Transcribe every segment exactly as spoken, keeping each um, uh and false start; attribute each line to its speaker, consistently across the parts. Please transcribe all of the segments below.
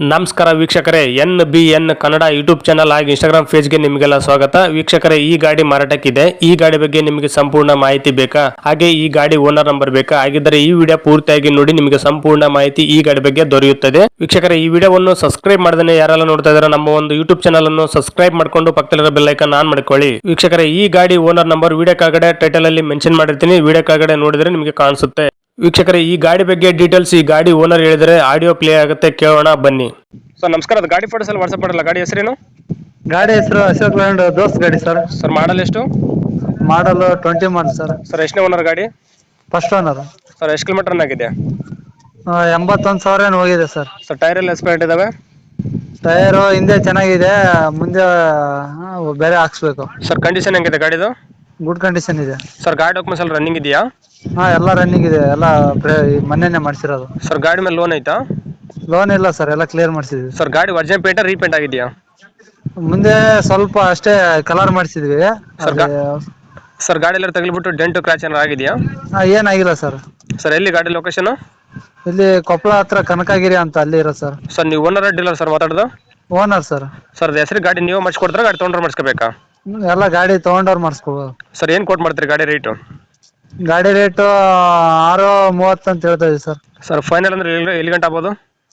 Speaker 1: ನಮಸ್ಕಾರ ವೀಕ್ಷಕರೇ, N B N Kannada YouTube channel ಹಾಗೂ ಇನ್ಸ್ಟಾಗ್ರಾಮ್ ಪೇಜ್ಗೆ ನಿಮಗೆಲ್ಲ ಸ್ವಾಗತ. ವೀಕ್ಷಕರೇ, ಈ ಗಾಡಿ ಮಾರಾಟಕ್ಕಿದೆ. ಈ ಗಾಡಿ ಬಗ್ಗೆ ನಿಮಗೆ ಸಂಪೂರ್ಣ ಮಾಹಿತಿ ಬೇಕಾ, ಹಾಗೆ ಈ ಗಾಡಿ ಓನರ್ ನಂಬರ್ ಬೇಕಾ? ಹಾಗಿದ್ದರೆ ಈ ವಿಡಿಯೋ ಪೂರ್ತಿಯಾಗಿ ನೋಡಿ, ನಿಮಗೆ ಸಂಪೂರ್ಣ ಮಾಹಿತಿ ಈ ಗಾಡಿ ಬಗ್ಗೆ ದೊರೆಯುತ್ತದೆ. ವೀಕ್ಷಕರೇ, ಈ ವಿಡಿಯೋವನ್ನು ಸಬ್ಸ್ಕ್ರೈಬ್ ಮಾಡದೇ ಯಾರೆಲ್ಲ ನೋಡ್ತಾ ಇದ್ದಾರೆ, ನಮ್ಮ ಒಂದು ಯೂಟ್ಯೂಬ್ ಚಾನಲ್ ಅನ್ನು ಸಬ್ಸ್ಕ್ರೈಬ್ ಮಾಡ್ಕೊಂಡು ಪಕ್ಕದಲ್ಲಿರೋ ಬೆಲ್ ಐಕಾನ್ ಆನ್ ಮಾಡ್ಕೊಳ್ಳಿ. ವೀಕ್ಷಕರೇ, ಈ ಗಾಡಿ ಓನರ್ ನಂಬರ್ ವಿಡಿಯೋ ಕೆಳಗಡೆ ಟೈಟಲ್ ಅಲ್ಲಿ ಮೆನ್ಷನ್ ಮಾಡಿರ್ತೀನಿ, ವಿಡಿಯೋ ಕೆಳಗಡೆ ನೋಡಿದ್ರೆ ನಿಮಗೆ ಕಾಣಿಸುತ್ತೆ. ವೀಕ್ಷಕರೇ, ಈ ಗಾಡಿ ಬಗ್ಗೆ ಡೀಟೇಲ್ಸ್ ಈ ಗಾಡಿ ಓನರ್ ಹೇಳಿದರೆ ಆಡಿಯೋ ಪ್ಲೇ ಆಗುತ್ತೆ, ಕೇಳೋಣ ಬನ್ನಿ. ಸರ್ ನಮಸ್ಕಾರ, ಅದು ಗಾಡಿ ಫೋಟೋಸ್ ಎಲ್ಲ ವಾಟ್ಸಪ್ ಮಾಡಲ್ಲ. ಗಾಡಿ ಹೆಸರೇನು?
Speaker 2: ಗಾಡಿ ಹೆಸರು ಅಶೋಕ್ ಲ್ಯಾಂಡ್ ದೋಸ್ತ್ ಗಾಡಿ ಸರ್.
Speaker 1: ಸರ್ ಮಾಡಲ್ ಎಷ್ಟು?
Speaker 2: Model twenty model sir.
Speaker 1: Sir ಎಷ್ಟನೇ ಓನರ್ ಗಾಡಿ?
Speaker 2: First owner.
Speaker 1: ಸರ್ ಎಷ್ಟು ಕಿಲೋಮೀಟರ್ ರನ್ ಆಗಿದೆ?
Speaker 2: ಎಂಬತ್ತೊಂದು ಸಾವಿರ ಏನು ಹೋಗಿದೆ ಸರ್.
Speaker 1: ಸರ್ ಟೈರ್ ಎಲ್ಲ ಎಸ್ಪೆಂಟ್ ಇದಾವೆ?
Speaker 2: ಟೈರು ಹಿಂದೆ ಚೆನ್ನಾಗಿದೆ, ಮುಂದೆ ಆ, ಬೇರೆ ಹಾಕ್ಸ್ಬೇಕು.
Speaker 1: ಸರ್ ಕಂಡೀಷನ್ ಹೆಂಗಿದೆ ಗಾಡಿದು?
Speaker 2: ಗುಡ್ ಕಂಡೀಷನ್ ಇದೆ
Speaker 1: ಸರ್ ಗಾಡಿ ಡಾಕ್ಯುಮೆಂಟ್ಸ್ ಎಲ್ಲ ರನ್ನಿಂಗ್ ಇದೆಯಾ?
Speaker 2: ಹಾ ಎಲ್ಲ ರನ್ನಿಂಗ್ ಇದೆ, ಎಲ್ಲ ಮೊನ್ನೆನೆ ಮಾಡಿಸಿರೋದು.
Speaker 1: ಸರ್ ಗಾಡಿ ಮೇಲೆ ಲೋನ್ ಐತಾ?
Speaker 2: ಲೋನ್ ಇಲ್ಲ ಸರ್, ಎಲ್ಲ ಕ್ಲಿಯರ್ ಮಾಡಿಸಿದ್ವಿ.
Speaker 1: ಸರ್ ಗಾಡಿ ಒರಿಜಿನಲ್ ಪೇಂಟ್ ರೀಪೇಂಟ್ ಆಗಿದೆಯಾ?
Speaker 2: ಮುಂದೆ ಸ್ವಲ್ಪ ಅಷ್ಟೇ ಕಲರ್ ಮಾಡಿಸಿದ್ವಿ.
Speaker 1: ಸರ್ ಗಾ- ಸರ್ ಗಾಡಿ ಎಲ್ಲ ತಗಲಿಬಿಟ್ಟು ಡೆಂಟು ಕ್ರಾಚ್ ಏನಾರು ಆಗಿದೆಯಾ?
Speaker 2: ಏನಾಗಿಲ್ಲ ಸರ್.
Speaker 1: ಸರ್ ಎಲ್ಲಿ ಗಾಡಿ ಲೊಕೇಶನ್?
Speaker 2: ಇಲ್ಲಿ ಕೊಪ್ಪಳ ಹತ್ರ ಕನಕಗಿರಿ ಅಂತ ಅಲ್ಲಿ ಇರೋ ಸರ್.
Speaker 1: ಸರ್ ನೀವು ಓನರ್ ಡೀಲರ್ ಸರ್ ಮಾತಾಡೋದು?
Speaker 2: Owner sir.
Speaker 1: ಸರ್ ಹೆಸರು ಗಾಡಿ ನೀವು ಮಾಡಿಸ್ಕೊಡ್ತಾರೆ, ಗಾಡಿ ತೊಗೊಂಡ್ರೆ ಮಾಡಿಸ್ಕೋಬೇಕಾ?
Speaker 2: ಎಲ್ಲ ಗಾಡಿ ತಗೊಂಡವ್ರು ಮಾಡಿಸ್ಕೊಬೋದು.
Speaker 1: ಸರ್ ಏನು ಕೊಟ್ಟು ಮಾಡ್ತೀರಿ ಗಾಡಿ ರೇಟು?
Speaker 2: ಗಾಡಿ ರೇಟು ಆರು ಮೂವತ್ತು ಅಂತ ಹೇಳ್ತಾ ಇದೀವಿ ಸರ್.
Speaker 1: ಸರ್ ಫೈನಲ್ ಅಂದ್ರೆ ಎಲ್ಲಿ ಎಲ್ಲಿ ಗಂಟೆ ಆಗ್ಬೋದು?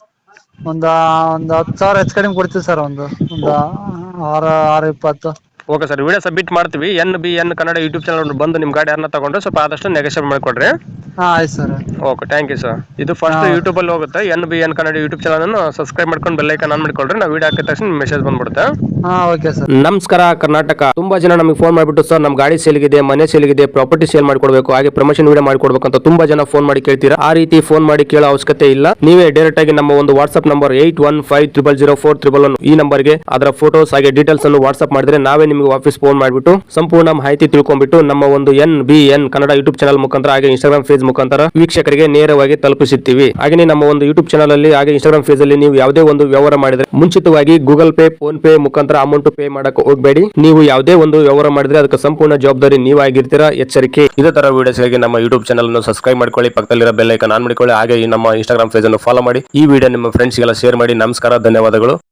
Speaker 2: ಒಂದು ಒಂದು ಹತ್ತು ಸಾವಿರ ಹೆಚ್ಚು ಕಡಿಮೆ ಕೊಡ್ತೀವಿ ಸರ್. ಒಂದು ಒಂದು ಆರು ಆರು ಇಪ್ಪತ್ತು.
Speaker 1: ಓಕೆ ಸರ್, ವಿಡಿಯೋ ಸಬ್ಮಿಟ್ ಮಾಡ್ತೀವಿ. N B N Kannada YouTube channel ಬಂದು ನಿಮ್ಮ ಗಾಡಿ ಯಾರನ್ನ ತಗೊಂಡ್ರೆ ಸ್ವಲ್ಪ ಆದಷ್ಟು ನೆಗೋಷಿಯೇಟ್ ಮಾಡಿಕೊಡ್ರಿ.
Speaker 2: ಹಾಂ ಆಯ್ತು ಸರ್.
Speaker 1: Okay, thank you sir. ಇದು ಫಸ್ಟ್ ಯೂಟ್ಯೂಬಲ್ಲಿ ಹೋಗುತ್ತೆ. N B N Kannada YouTube channel subscribe ಮಾಡ್ಕೊಂಡು ಬೆಲ್ ಐಕಾನ್ ಆನ್ ಮಾಡ್ಕೊಳ್ರಿ. ನಾವು ವಿಡಿಯೋ ಹಾಕಿದ ತಕ್ಷಣ ಮೆಸೇಜ್ ಬಂದ್ಬಿಡುತ್ತೆ.
Speaker 2: ಹಾಂ ಓಕೆ ಸರ್.
Speaker 1: ನಮಸ್ಕಾರ ಕರ್ನಾಟಕ. ತುಂಬಾ ಜನ ನಮಗೆ ಫೋನ್ ಮಾಡಿಬಿಟ್ಟು ಸರ್ ನಮ್ಮ ಗಾಡಿ ಸೇಲ್ಗಿದೆ, ಮನೆ ಸೇಲ್ಗಿದೆ, ಪ್ರಾಪರ್ಟಿ ಸೇಲ್ ಮಾಡ್ಕೊಡ್ಬೇಕು, ಹಾಗೆ ಪ್ರಮೋಷನ್ ವಿಡಿಯೋ ಮಾಡ್ಕೊಡ್ಬೇಕು ಅಂತ ತುಂಬಾ ಜನ ಫೋನ್ ಮಾಡಿ ಕೇಳ್ತೀರಾ. ಆ ರೀತಿ ಫೋನ್ ಮಾಡಿ ಕೇಳೋ ಅವಶ್ಯಕತೆ ಇಲ್ಲ. ನೀವೇ ಡೈರೆಕ್ಟ್ ಆಗಿ ನಮ್ಮ ಒಂದು WhatsApp number eight one five triple zero four triple one ಈ ನಂಬರ್ಗೆ ಅದರ ಫೋಟೋಸ್ ಹಾಗೆ ಡೀಟೇಲ್ಸ್ ಅನ್ನು ವಾಟ್ಸ್ಆಪ್ ಮಾಡಿದ್ರೆ ನಾವೇ ನಿಮಗೆ ವಾಪಸ್ ಫೋನ್ ಮಾಡಿಬಿಟ್ಟು ಸಂಪೂರ್ಣ ಮಾಹಿತಿ ತಿಳ್ಕೊಂಡ್ಬಿಟ್ಟು ನಮ್ಮ ಒಂದು N B N Kannada YouTube channel ಮುಖಾಂತರ ಹಾಗೆ ಇನ್ಸ್ಟಾಗ್ರಾಮ್ ಪೇಜ್ ಮುಖಾಂತರ ವೀಕ್ಷಕರಿಗೆ ನೇರವಾಗಿ ತಲುಪಿಸುತ್ತೀವಿ. ಹಾಗೆ ನಮ್ಮ ಒಂದು ಯೂಟ್ಯೂಬ್ ಚಾನಲ್ ಅಲ್ಲಿ ಹಾಗೆ ಇನ್ಸ್ಟಾಗ್ರಾಮ್ ಪೇಜ್ ಅಲ್ಲಿ ನೀವು ಯಾವುದೇ ಒಂದು ವ್ಯವಹಾರ ಮಾಡಿದ್ರೆ ಮುಂಚಿತವಾಗಿ ಗೂಗಲ್ ಪೇ, ಫೋನ್ ಪೇ ಮುಖಾಂತರ ಅಮೌಂಟ್ ಪೇ ಮಾಡಕ್ಕೆ ಹೋಗಬೇಡಿ. ನೀವು ಯಾವುದೇ ಒಂದು ವ್ಯವಹಾರ ಮಾಡಿದ್ರೆ ಅದಕ್ಕೆ ಸಂಪೂರ್ಣ ಜವಾಬ್ದಾರಿ ನೀವಾಗಿರ್ತೀರಾ, ಎಚ್ಚರಿಕೆ. ಇದೇ ತರ ವಿಡಿಯೋಸ್ಗಾಗಿ ನಮ್ಮ ಯೂಟ್ಯೂಬ್ ಚಾನಲ್ ಅನ್ನು ಸಬ್ಸ್ಕ್ರೈಬ್ ಮಾಡ್ಕೊಳ್ಳಿ, ಪಕ್ಕದಲ್ಲಿರೋ ಬೆಲ್ ಐಕಾನ್ ಆನ್ ಮಾಡಿಕೊಳ್ಳಿ, ಹಾಗೆ ನಮ್ಮ ಇನ್ಸ್ಟಾಗ್ರಾಮ್ ಪೇಜ್ ಅನ್ನು ಫಾಲೋ ಮಾಡಿ. ಈ ವಿಡಿಯೋ ನಿಮ್ಮ ಫ್ರೆಂಡ್ಸ್ಗೆಲ್ಲ ಶೇರ್ ಮಾಡಿ. ನಮಸ್ಕಾರ, ಧನ್ಯವಾದಗಳು.